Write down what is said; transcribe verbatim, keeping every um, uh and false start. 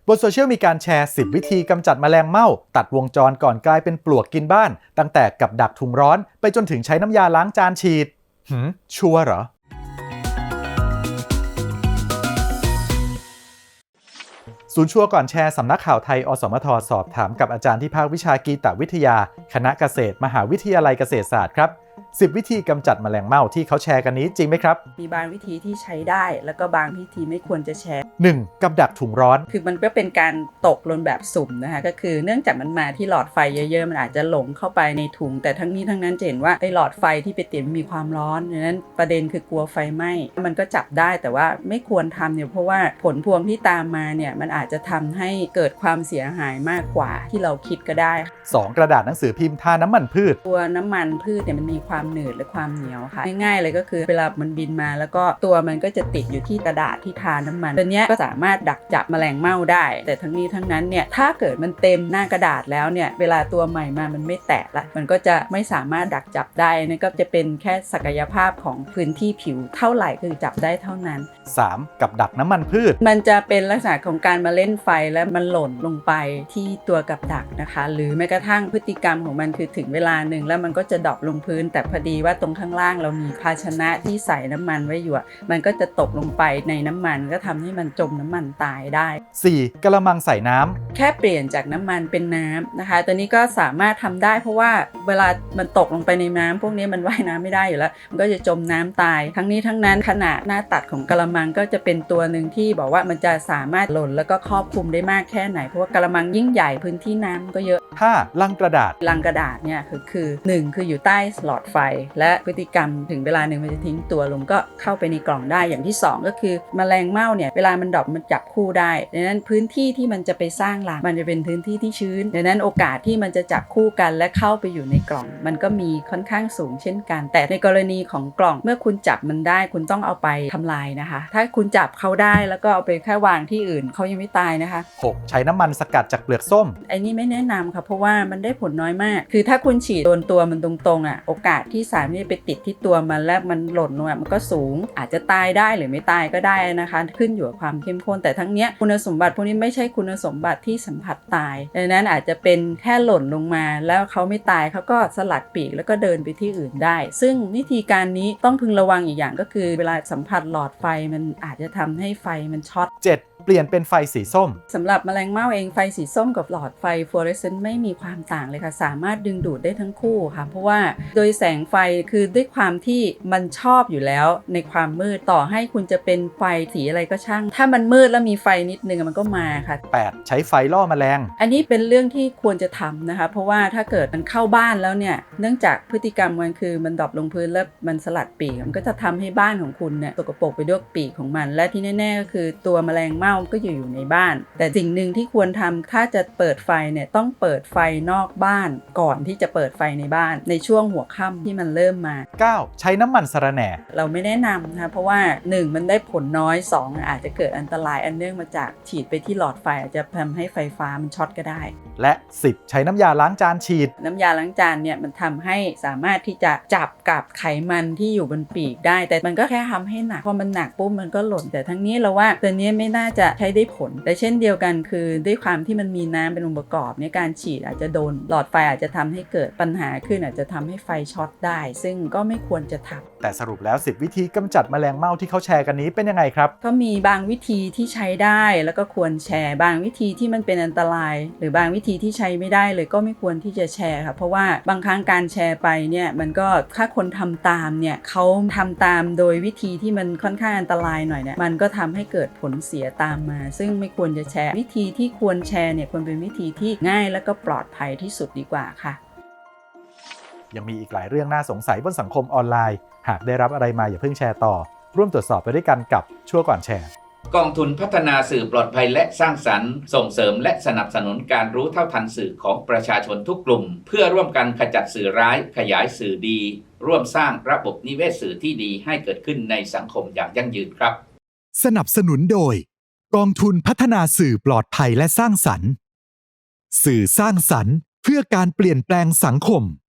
บนโซเชียลมีการแชร์สิบวิธีกำจัดแมลงเม่าตัดวงจรก่อนกลายเป็นปลวกกินบ้านตั้งแต่กับดักถุงร้อนไปจนถึงใช้น้ำยาล้างจานฉีดหืมชัวร์เหรอศูนย์ชัวร์ก่อนแชร์สำนักข่าวไทยอสมทสอบถามกับอาจารย์ที่ภาควิชากีตวิทยาคณะเกษตรมหาวิทยาลัยเกษตรศาสตร์ครับสิบวิธีกำจัดแมลงเม่าที่เขาแชร์กันนี้จริงไหมครับมีบางวิธีที่ใช้ได้แล้วก็บางวิธีไม่ควรจะแชร์หนึ่ง กับดักถุงร้อนคือมันก็เป็นการตกหล่นแบบสุ่มนะคะก็คือเนื่องจากมันมาที่หลอดไฟเยอะๆมันอาจจะหลงเข้าไปในถุงแต่ทั้งนี้ทั้งนั้นจะเห็นว่าไอ้หลอดไฟที่ไปติดมีความร้อนดังนั้นประเด็นคือกลัวไฟไหม้มันก็จับได้แต่ว่าไม่ควรทำเนี่ยเพราะว่าผลพวงที่ตามมาเนี่ยมันอาจจะทำให้เกิดความเสียหายมากกว่าที่เราคิดก็ได้สอง กระดาษหนังสือพิมพ์ทาน้ำมันพืชตัวน้ำมันพืชเนี่ยมันมีความหนืดและความเหนียวค่ะง่ายๆเลยก็คือเวลามันบินมาแล้วก็ตัวมันก็จะติดอยู่ที่กระดาษที่ทาน้ำมันตัวนี้ก็สามารถดักจับแมลงเม่าได้แต่ทั้งนี้ทั้งนั้นเนี่ยถ้าเกิดมันเต็มหน้ากระดาษแล้วเนี่ยเวลาตัวใหม่มามันไม่แตะละมันก็จะไม่สามารถดักจับได้นั่นก็จะเป็นแค่ศักยภาพของพื้นที่ผิวเท่าไหร่คือจับได้เท่านั้นสาม กับดักน้ำมันพืชมันจะเป็นลักษณะของการมาเล่นไฟและมันหล่นลงไปที่ตัวกับดักนะคะหรือแม้กระทั่งพฤติกรรมของมันคือถึงเวลาหนึ่งแล้วมันก็จะดรอปลงพื้นแต่พอดีว่าตรงข้างล่างเรามีภาชนะที่ใส่น้ำมันไว้อยู่มันก็จะตกลงไปในน้ำมันก็ทำให้มันจมน้ำมันตายได้สี่ กระมังใส่น้ำแค่เปลี่ยนจากน้ำมันเป็นน้ำนะคะตัวนี้ก็สามารถทำได้เพราะว่าเวลามันตกลงไปในน้ำพวกนี้มันว่ายน้ำไม่ได้อยู่แล้วมันก็จะจมน้ำตายทั้งนี้ทั้งนั้นขนาดหน้าตัดของกระมังก็จะเป็นตัวหนึ่งที่บอกว่ามันจะสามารถหล่นแล้วก็ครอบคลุมได้มากแค่ไหนเพราะว่ากระมังยิ่งใหญ่พื้นที่น้ำก็เยอะห้า ลังกระดาษลังกระดาษเนี่ยคือคือหนึ่งคืออยู่ใต้หลอดไฟและพฤติกรรมถึงเวลาหนึ่งมันจะทิ้งตัวลงก็เข้าไปในกล่องได้อย่างที่สองก็คือแมลงเม่าเนี่ยเวลามันดรอปมันจับคู่ได้ดังนั้นพื้นที่ที่มันจะไปสร้างรังมันจะเป็นพื้นที่ที่ชื้นดังนั้นโอกาสที่มันจะจับคู่กันและเข้าไปอยู่ในกล่องมันก็มีค่อนข้างสูงเช่นกันแต่ในกรณีของกล่องเมื่อคุณจับมันได้คุณต้องเอาไปทำลายนะคะถ้าคุณจับเขาได้แล้วก็เอาไปแค่วางที่อื่นเขายังไม่ตายนะคะหก ใช้น้ำมันสกัดจากเปลือกส้มไอ้นี่ไม่แนะนำค่ะเพราะว่ามันได้ผลน้อยมากคือถ้าคุณฉีดโดนตัวมันตรงๆอ่ะโอกาสที่สารนี้ไปติดที่ตัวมันแล้วมันหล่นลงมันก็สูงอาจจะตายได้หรือไม่ตายก็ได้นะคะขึ้นอยู่กับความเข้มข้นแต่ทั้งเนี้ยคุณสมบัติพวกนี้ไม่ใช่คุณสมบัติที่สัมผัสตายดังนั้นอาจจะเป็นแค่หล่นลงมาแล้วเขาไม่ตายเขาก็สลัดปีกแล้วก็เดินไปที่อื่นได้ซึ่งวิธีการนี้ต้องพึงระวังอีกอย่างก็คือเวลาสัมผัสหลอดไฟมันอาจจะทำให้ไฟมันช็อตเจ็ด เปลี่ยนเป็นไฟสีส้มสำหรับแมลงเม่าเองไฟสีส้มกับหลอดไฟฟลูออเรสเซนต์ไม่มีความต่างเลยค่ะสามารถดึงดูดได้ทั้งคู่ค่ะเพราะว่าโดยแสงไฟคือด้วยความที่มันชอบอยู่แล้วในความมืดต่อให้คุณจะเป็นไฟสีอะไรก็ช่างถ้ามันมืดแล้วมีไฟนิดนึงมันก็มาค่ะแปด ใช้ไฟล่อแมลงอันนี้เป็นเรื่องที่ควรจะทำนะคะเพราะว่าถ้าเกิดมันเข้าบ้านแล้วเนี่ยเนื่องจากพฤติกรรมมันคือมันดรอปลงพื้นแล้วมันสลัดปีกมันก็จะทำให้บ้านของคุณเนี่ยตกปรกไปด้วยปีกของมันและที่แน่ๆก็คือตัวแมลงเม่าก็อยู่อยู่ในบ้านแต่สิ่งหนึ่งที่ควรทำถ้าจะเปิดไฟเนี่ยต้องเปิดไฟนอกบ้านก่อนที่จะเปิดไฟในบ้านในช่วงหัวค่ำที่มันเริ่มมาเก้า ใช้น้ำมันสะระแหน่เราไม่แนะนำนะคะเพราะว่าหนึ่งมันได้ผลน้อยสองอาจจะเกิดอันตรายอันเนื่องมาจากฉีดไปที่หลอดไฟอาจจะทำให้ไฟฟ้ามันช็อตก็ได้และสิบ ใช้น้ำยาล้างจานฉีดน้ำยาล้างจานเนี่ยมันทำให้สามารถที่จะจับกับไขมันที่อยู่บนปีกได้แต่มันก็แค่ทำให้หนักพอมันหนักปุ๊บมันก็หล่นแต่ทั้งนี้เราว่าตัวนี้ไม่น่าจะใช้ได้ผลแต่เช่นเดียวกันคือด้วยความที่มันมีน้ำเป็นองค์ประกอบในการฉีดอาจจะโดนหลอดไฟอาจจะทำให้เกิดปัญหาขึ้นอาจจะทำให้ไฟช็อตได้ซึ่งก็ไม่ควรจะทำแต่สรุปแล้วสิบวิธีกำจัดแมลงเม่าที่เขาแชร์กันนี้เป็นยังไงครับก็มีบางวิธีที่ใช้ได้แล้วก็ควรแชร์บางวิธีที่มันเป็นอันตรายหรือบางวิธีที่ใช้ไม่ได้เลยก็ไม่ควรที่จะแชร์ค่ะเพราะว่าบางครั้งการแชร์ไปเนี่ยมันก็ถ้าคนทำตามเนี่ยเขาทำตามโดยวิธีที่มันค่อนข้างอันตรายหน่อยเนี่ยมันก็ทำให้เกิดผลเสียตามมาซึ่งไม่ควรจะแชร์วิธีที่ควรแชร์เนี่ยควรเป็นวิธีที่ง่ายและก็ปลอดภัยที่สุดดีกว่าค่ะยังมีอีกหลายเรื่องน่าสงสัยบนสังคมออนไลน์หากได้รับอะไรมาอย่าเพิ่งแชร์ต่อร่วมตรวจสอบไปด้วยกันกับชั่วก่อนแชร์กองทุนพัฒนาสื่อปลอดภัยและสร้างสรรค์ส่งเสริมและสนับสนุนการรู้เท่าทันสื่อของประชาชนทุกกลุ่มเพื่อร่วมกันขจัดสื่อร้ายขยายสื่อดีร่วมสร้างระบบนิเวศสื่อที่ดีให้เกิดขึ้นในสังคมอย่างยั่งยืนครับสนับสนุนโดยกองทุนพัฒนาสื่อปลอดภัยและสร้างสรรค์สื่อสร้างสรรค์เพื่อการเปลี่ยนแปลงสังคม